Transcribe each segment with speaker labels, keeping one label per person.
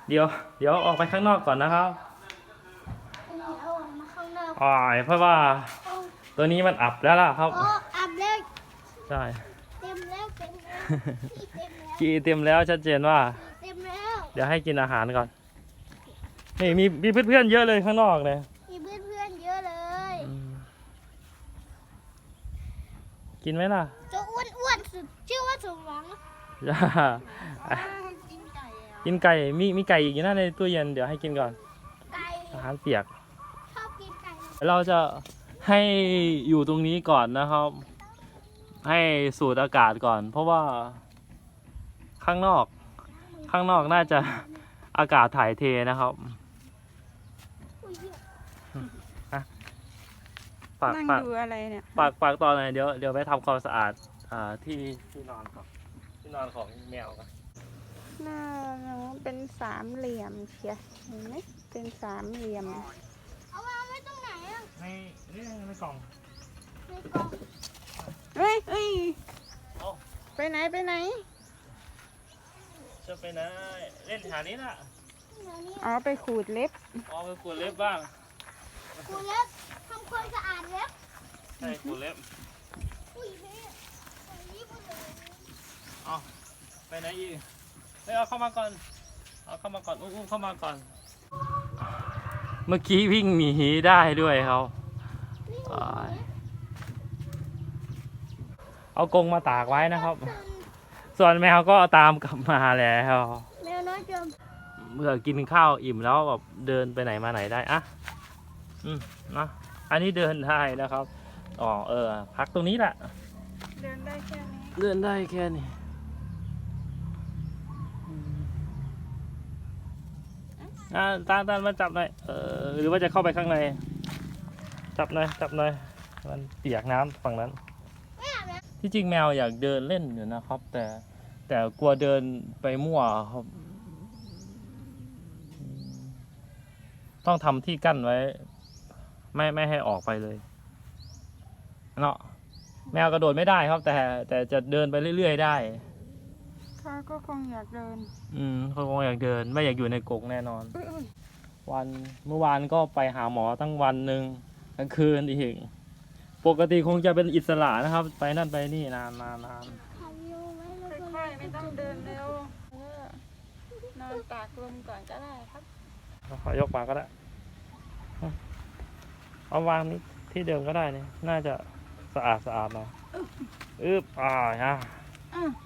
Speaker 1: เดี๋ยวเดี๋ยวออกไปข้างนอกก่อนนะครับ
Speaker 2: เดี๋ยวออกมาข้างนอก
Speaker 1: อ๋อเพราะว่าตัวนี้มันอับแล้วล่ะครับ
Speaker 2: โอ้อับแล้ว
Speaker 1: ใช่
Speaker 2: เต็มแล้วเต็มแล้วขี้เต็มแล้ว
Speaker 1: กีเต็มแล้วชัดเจนว่า
Speaker 2: เต็มแล้ว
Speaker 1: เดี๋ยวให้กินอาหารก่อนนี่มีเพื่อนๆเยอะเลยข้างนอกเลย
Speaker 2: มีเพื่อนๆเยอะเลย
Speaker 1: กินไหมล่ะ
Speaker 2: จะอ้วนๆสุดชื่อว่าสมหวัง
Speaker 1: จ้า
Speaker 2: กินไก่อะ
Speaker 1: กินไก่มีไก่อีกอยู่นะในตู้เย็นเดี๋ยวให้กินก่อน
Speaker 2: ไก่
Speaker 1: อาหารเปียก
Speaker 2: ชอบกินไก่
Speaker 1: เราจะให้อยู่ตรงนี้ก่อนนะครับ ให้สูดอากาศก่อน เพราะว่าข้างนอกน่าจะอากาศถ่ายเทนะครับ
Speaker 2: อุ้ยเหี้ย
Speaker 1: ฝาก
Speaker 3: นั่ง
Speaker 1: ฝาก
Speaker 3: ดูอะไรเนี่ย
Speaker 1: ฝากตอนหน่อยเดี๋ยวไปทำความสะอาดที่นอนครับที่นอนของแมวครับ
Speaker 3: หน้าน้องเป็นสามเหลี่ยมเชียเห็นไหมเป็นสามเหลี่ยม
Speaker 2: เอาวางไว้ตรงไหนอะ
Speaker 1: ในกล่อง
Speaker 2: ในกล่อง
Speaker 3: เฮ้ย
Speaker 1: เอ้า
Speaker 3: ไปไหน
Speaker 1: จะไปไหนเล่นแถวนี้น่ะ
Speaker 2: เดี๋ยวนี้
Speaker 3: อ๋อไปขูดเล็บ
Speaker 1: อ๋อไปขูดเล็บบ้าง
Speaker 2: กูเล็บทำความสะอาดเล็บ
Speaker 1: ใช่ขูดเล็บ
Speaker 2: อุ้ยเฮ้ยอันนี้พูดเลย
Speaker 1: เอาไปไหนอีกเฮ้ยเอาเข้ามาก่อนอุ้มเข้ามาก่อน เมื่อกี้วิ่งหนีได้ด้วยเขา
Speaker 2: นี่
Speaker 1: เอากรงมาตากไว้นะครับ ส่วนแมวก็ตามกลับมาแล้ว
Speaker 2: แมวน้อยจม
Speaker 1: เมื่อกินข้าวอิ่มแล้วแบบเดินไปไหนมาไหนได้อะนะอันนี้เดินได้นะครับอ๋อพักตรงนี้แหละ
Speaker 3: เดินได้แค่นี้
Speaker 1: เดินได้แค่นี้ตามาจับหน่อยหรือว่าจะเข้าไปข้างในจับหน่อยมันเปียกน้ำฝั่งนั้น
Speaker 2: ไม่อาบน้
Speaker 1: ที่จริงแมวอยากเดินเล่นอยู่นะครับ แต่กลัวเดินไปมั่วครับต้องทำที่กั้นไว้ ไม่ให้ออกไปเลยเนาะแมวกระโดดไม่ได้ครับ แต่จะเดินไปเรื่อยๆได้
Speaker 3: เขาก็คงอยากเดิน
Speaker 1: เขาคงอยากเดินไม่อยากอยู่ในกรงแน่นอน
Speaker 3: อุ้ย
Speaker 1: เมื่อวานก็ไปหาหมอตั้งวันหนึ่งกลางคืนอีกปกติคงจะเป็นอิสระนะครับ ไปนั่นไปนี่นาน
Speaker 2: ำถ่ายวิวไว้แล้วก็
Speaker 3: ค่อยๆไม่ต้องเดินเร็วนอนตากลมก่อนก็ได้ครับ
Speaker 1: ขอยกมาก็ได้เอาวางนี้ที่เดิมก็ได้นี่น่าจะสะอาดหน่อยฮะ
Speaker 3: อืม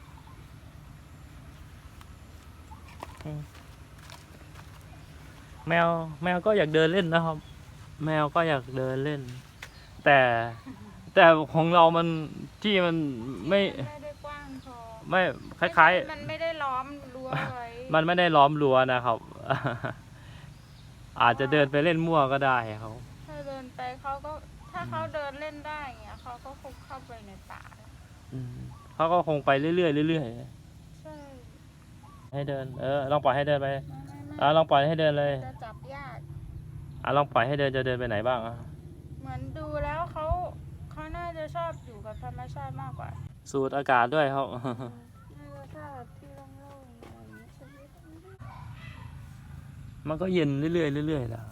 Speaker 1: แมวก็อยากเดินเล่นนะครับ แมวก็อยากเดินเล่น แต่ของเรามันที่มันไม่
Speaker 3: ได้กว้างพอ
Speaker 1: ไม่คล้าย
Speaker 3: มันไม่ได้ล้อมรั้วไว้
Speaker 1: ๆ มันไม่ได้ล้อมรั้วนะครับ อาจจะเดินไปเล่นมั่วก็ได้ครับ
Speaker 3: ถ้าเดินไปถ้าเขาเดินเล่นได้อย่างเงี้ยเขาก็คงเข้าไปในป่า
Speaker 1: เขาก็คงไปเรื่อยๆเรื่อย
Speaker 3: ใช่
Speaker 1: ๆให้เดินลองปล่อยให้เดินไป
Speaker 3: ไม่
Speaker 1: ลองปล่อยให้เดินเลย
Speaker 3: จะจับยาก
Speaker 1: ลองปล่อยให้เดินจะเดินไปไหนบ้างอะ
Speaker 3: เหมือนดูแล้วเขาน่าจะชอบอยู่กับธรรมชาติมากกว่า
Speaker 1: สูดอากาศด้วยครับ
Speaker 3: น่าจะชอบแบบที่โล่งๆอะไรอย่างเงี้ยใช่ไหม
Speaker 1: มันก็เย็นเรื่อยๆเรื่อยๆแหละ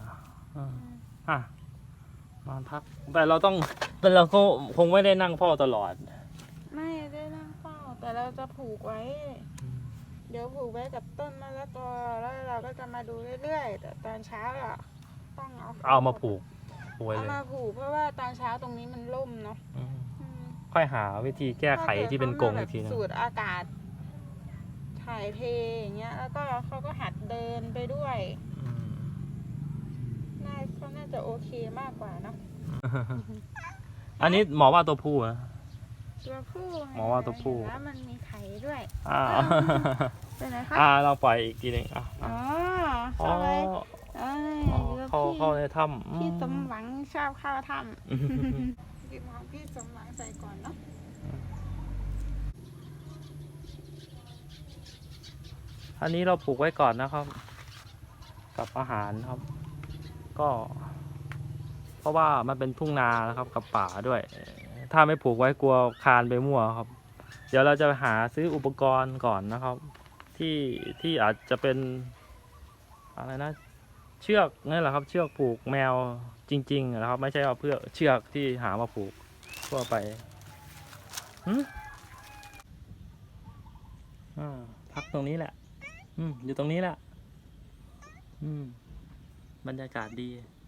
Speaker 1: นอนพักแต่เราก็คงไม่ได้นั่งเฝ้าตลอด
Speaker 3: ไม่ได้นั่งเฝ้าแต่เราจะผูกไว้ เดี๋ยวผูกไว้กับต้นมะละกอแล้วเราก็จะมาดูเรื่อยๆแต่ตอนเช้าอะต้อง
Speaker 1: เอามาผูกไว้
Speaker 3: เอา
Speaker 1: เลย
Speaker 3: มาผูกเพราะว่าตอนเช้าตรงนี้มันร่มเนาะ
Speaker 1: ค่อยหาวิธีแก้ไขที่เป็นกรงอีกที
Speaker 3: ถ้า
Speaker 1: นึ
Speaker 3: เกิด
Speaker 1: ง
Speaker 3: เขามาแบบสูดอากาศถ่ายเทอย่างเงี้ยแล้วก็เขาก็หัดเดินไปด้วยเขาน่าจะโอเคมากกว่าเนาะ
Speaker 1: อันนี้หมอว่าตัวผู้นะ
Speaker 3: ตัวผู้
Speaker 1: หมอว่าตัวผู้
Speaker 3: แล้วมันมีไข่ด้วย
Speaker 1: อ่า
Speaker 3: เป็นไงคะ
Speaker 1: เราปล่อยอีกทีหนึง
Speaker 3: อ๋อ
Speaker 1: อ๋อ
Speaker 3: เข้าไปเอ้ยอยู่กับ
Speaker 1: เข้าในถ้ำ
Speaker 3: พี่สมหวังชอบเข้าถ้ำหยิบของพี่สมหวังใส่ก่อนเนาะ
Speaker 1: อันนี้เราปลูกไว้ก่อนนะครับ กับอาหารครับ ก็ เพราะว่ามันเป็นทุ่งนานะครับ กับป่าด้วย ถ้าไม่ปลูกไว้กลัวคานไปมั่วครับ เดี๋ยวเราจะหาซื้ออุปกรณ์ก่อนนะครับ ที่อาจจะเป็นอะไรนะเชือกนี่แหละครับเชือกผูกแมวจริงๆนะครับไม่ใช่ว่าเพื่อเชือกที่หามาผูกทั่วไปพักตรงนี้แหละอยู่ตรงนี้แหละบรรยากาศดี